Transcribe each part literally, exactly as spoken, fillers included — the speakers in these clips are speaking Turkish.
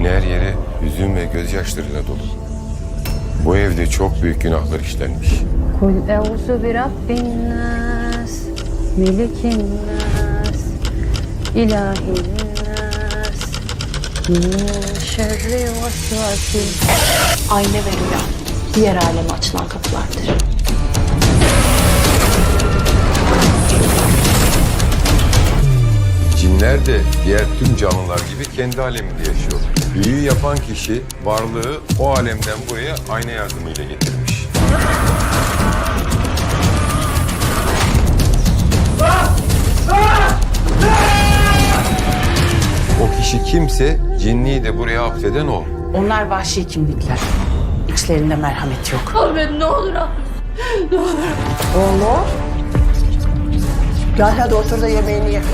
Evin her yeri hüzün ve gözyaşlarıyla dolu. Bu evde çok büyük günahlar işlenmiş. Kul euzu bi rabbin nas, melikin nas, ilahin nas, min şerri vesvesil. Ayna ve rüya diğer aleme açılan kapılardır. Cinler de diğer tüm canlılar gibi kendi aleminde yaşıyor. Büyüyü yapan kişi varlığı o alemden buraya ayna yardımıyla getirmiş. O kişi kimse cinliği de buraya hapseden o. Onlar vahşi kimlikler. İçlerinde merhamet yok. Ahmet ne olur Ahmet. Ne olur. Oğlum. Gel hadi otur da yemeğini ye.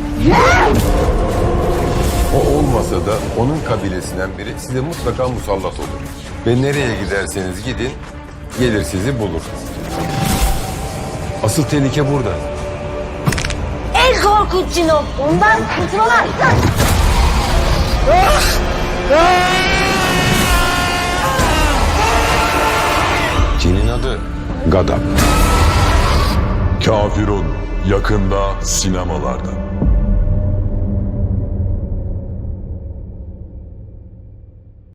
O olmasa da onun kabilesinden biri size mutlaka musallat olur. Ve nereye giderseniz gidin, gelir sizi bulur. Asıl tehlike burada. En korkunç cin o. Ondan kurtulamaz. Cinin adı Gadap. Kafirun yakında sinemalarda.